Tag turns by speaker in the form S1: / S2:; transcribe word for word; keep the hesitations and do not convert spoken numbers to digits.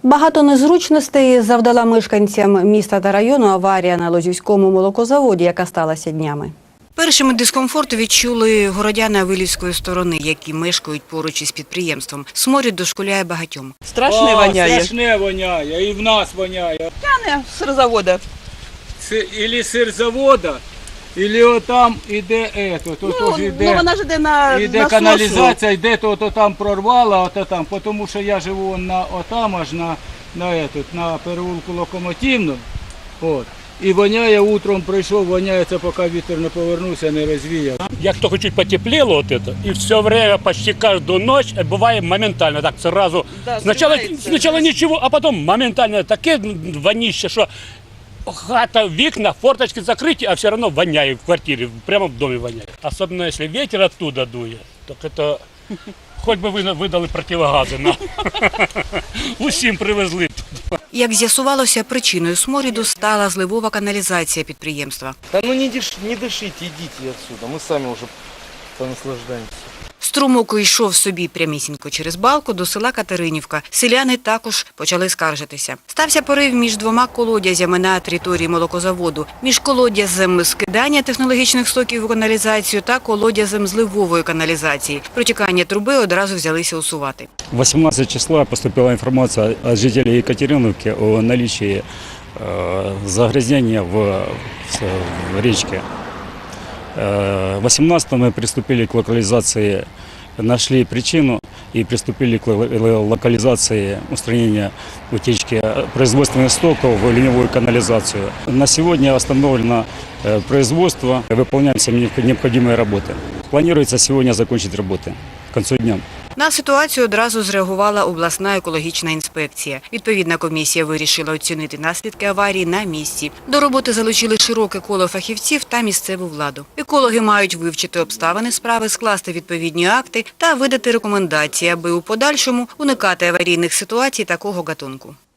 S1: Багато незручностей завдала мешканцям міста та району аварія на Лозівському молокозаводі, яка сталася днями. Першими дискомфорт відчули городяни Авилівської сторони, які мешкають поруч із підприємством. Сморід дошкуляє багатьом.
S2: Страшне воняє.
S3: Страшне воняє, і в нас воняє.
S2: Тяне з сирзавода.
S3: Ілі сирзавода, ілі отам іде ето, то
S2: Ну,
S3: теж іде,
S2: ну вона ж іде на
S3: іде
S2: насосу.
S3: каналізація, йде то, то там прорвала, ото там, тому що я живу на отам аж на, на, ето, на переулку Локомотивну. От. І воняє, утром прийшов, воняється, поки вітер не повернувся, не розвіяв.
S4: Як только чуть потеплело вот это, и все время, почти каждую ночь, бывает моментально, так сразу,
S2: Да,
S4: сначала,
S2: сливается.
S4: сначала ничего, а потом моментально таке вонище, что хата, вікна, форточки закрыты, а все равно воняет в квартире, прямо в доме воняет. Особенно если ветер оттуда дует, так это, хоть бы вы видали противогази нам. Усім привезли.
S1: Як з'ясувалося, причиною сморіду стала зливова каналізація підприємства.
S5: Да ну не, дыш, не дышите, идите отсюда, мы сами уже понаслаждаемся.
S1: Струмок йшов собі прямісінько через балку до села Катеринівка. Селяни також почали скаржитися. Стався порив між двома колодязями на території молокозаводу. Між колодязем скидання технологічних стоків у каналізацію та колодязем зливової каналізації. Протікання труби одразу взялися усувати.
S6: восемнадцатого числа поступила информация от жителей Екатериновки о наличии э, загрязнения в, в речке. Э, восемнадцатого мы приступили к локализации, нашли причину и приступили к локализации устранения утечки производственных стоков в ливневую канализацию. На сегодня остановлено э, производство, выполняем все необходимые работы. Планируется сегодня закончить работы к концу дня.
S1: На ситуацію одразу зреагувала обласна екологічна інспекція. Відповідна комісія вирішила оцінити наслідки аварії на місці. До роботи залучили широке коло фахівців та місцеву владу. Екологи мають вивчити обставини справи, скласти відповідні акти та видати рекомендації, аби у подальшому уникати аварійних ситуацій такого гатунку.